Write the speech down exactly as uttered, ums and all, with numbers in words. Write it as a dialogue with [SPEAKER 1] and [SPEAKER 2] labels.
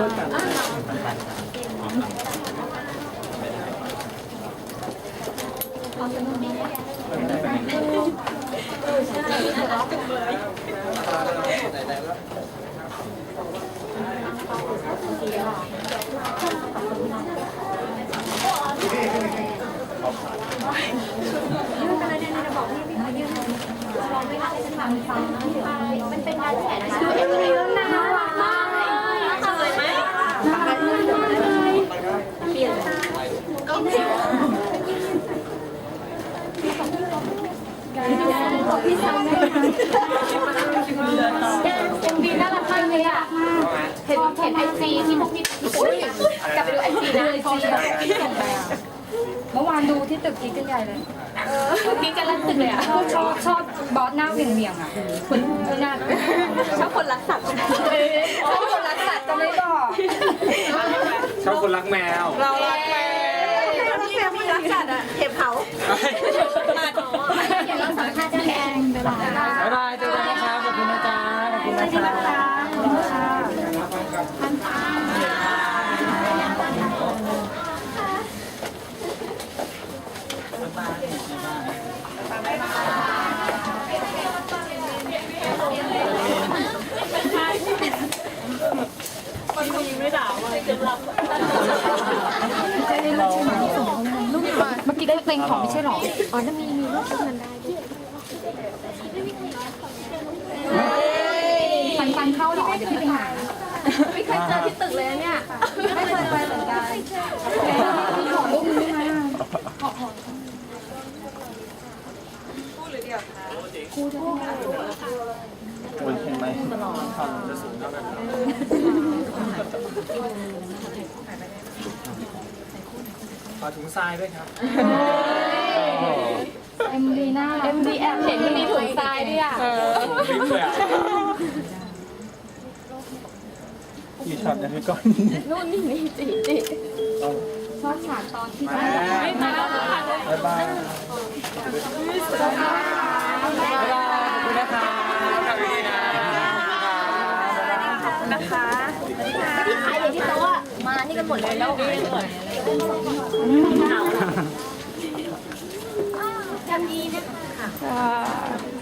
[SPEAKER 1] มันเป็นงานแขนนะคะดูเอ็มวีแล้วน่ารักมากเลยสวยไหมเปลี่ยนก็เปลี่ยนพี่สาวแม่เอ็มวีน่ารักมากเลยอ่ะเห็นเห็นไอจีที่พวกพี่กลับไปดูไอจีนะไอจีเมื่อวานดูที่ตึกกิ๊กกันใหญ่เลยกิ๊กกันลั่นตึกเลยอ่ะชอบชอบบอสหน้าเวียงเวียงอ่ะคนไม่น่าชอบคนรักสัตว์ชอบคนรักสัตว์จะไม่บอก
[SPEAKER 2] ชอบคนรักแมว
[SPEAKER 1] เรารักแมวที่มีรักสัตว์อ่ะเก็บเขาเดี๋ยวเราสัมภาษณ์เจ้าแดงบ๊ายบาย
[SPEAKER 2] บ๊ายบายเจอกันนะครับขอบคุณนะจ๊ะขอบคุณนะคะ
[SPEAKER 1] ขอบคุณค่ะพันฟ้ามันมีไม่ด่าว่าเกือบหลับเมื่อกี้ได้เพลงของไม่ใช่หรออ๋อจะมีมีรูปมันได้ฟันฟันเข้าหรอเดี๋ยวพี่ไปหาไม่เคยเจอที่ตึกเลยเนี่ยไม่เคยไปเหมือนกันมีขอรูปนึงไหมขอขอคู่หรือเดียวคะคู่จะคู่
[SPEAKER 2] บนเห็นไหมทำจะสูงเท่ากันขอถุงทรายด้วยครับ
[SPEAKER 1] เอ็มดีน่าเอ็มดีแอบเห็นที่มีถุงทรายด้วยอ่ะ
[SPEAKER 2] ลิฟต์เลยอ่ะกี่ช็อตนะพี่ก้อน
[SPEAKER 1] นู่นนี่นี่จีจีชอบฉากตอนที่ไม่มาแล้ว
[SPEAKER 2] บ๊ายบายบ๊ายบายขอบคุณนะคะขอบคุณนะ
[SPEAKER 1] นะคะที่ขายอย่างที่โต๊ะมานี่กันหมดเลยแล้วจำดีนะคะ